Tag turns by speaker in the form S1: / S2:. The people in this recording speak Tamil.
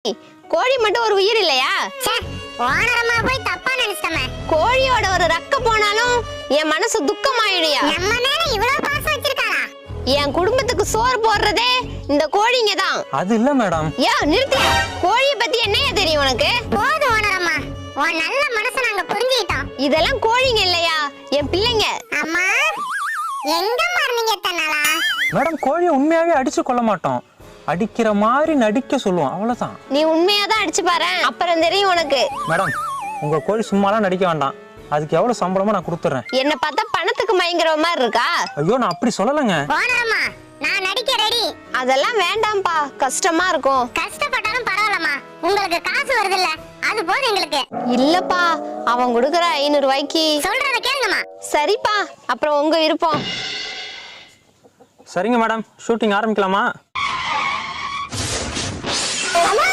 S1: கோழி மட்டும் ஒரு உயிர் இல்லையா?
S2: ஓனரமா போய் தப்பா நினைச்சமே.
S1: கோழியோட ஒரு ரக்க போனாலும் என் மனசு துக்கமாயிடுயா.
S2: நம்ம மேல இவ்வளவு பாசம் வச்சிருக்காரா?
S1: என் குடும்பத்துக்கு சோறு போடுறதே இந்த கோழிங்க தான்.
S3: அது இல்ல மேடம்.
S1: நிறுத்தியா. கோழிய பத்தி என்னையா தெரியும் உனக்கு?
S2: போதும் ஓனரமா, உன் நல்ல மனசை நாங்க புரிஞ்சுக்கிட்டோம்.
S1: இதெல்லாம் கோழிங்க இல்லையா, என் பிள்ளைங்க.
S2: அம்மா எங்க மார்னிங்க தன்னாலா?
S3: மேடம் கோழியை உண்மையாவே அடிச்சு கொள்ள மாட்டோம், அடிக்கிற மாதிரி நடிக்க சொல்லுவோம், அவ்வளவுதான்.
S1: நீ உண்மையாதான் அடிச்சு பாரு, அப்புறம் தெரியும் உனக்கு.
S3: மேடம் உங்க கோழி சும்மாலாம் நடிக்க வேண்டாம், அதுக்கு எவ்வளவு சம்பளமா நான் கொடுத்துறேன்.
S1: என்ன பார்த்தா பணத்துக்கு மயங்குற மாதிரி இருக்கா?
S3: ஐயோ நான் அப்படி சொல்லலங்க.
S2: ஓனரமா நான் நடிக்க ரெடி.
S1: அதெல்லாம் வேண்டாம்பா, கஷ்டமா இருக்கும்.
S2: கஷ்டப்பட்டாலும் பரவாயில்லம்மா, உங்களுக்கு காசு வருது இல்ல, அது போதும் எங்களுக்கு.
S1: இல்லப்பா, அவன் கொடுக்கற 500 ரூபாய்க்கு.
S2: சொல்றத கேளுங்கம்மா.
S1: சரிப்பா, அப்புறம் உங்க விருப்பம்.
S3: சரிங்க மேடம், ஷூட்டிங் ஆரம்பிக்கலாமா?
S2: அம்மா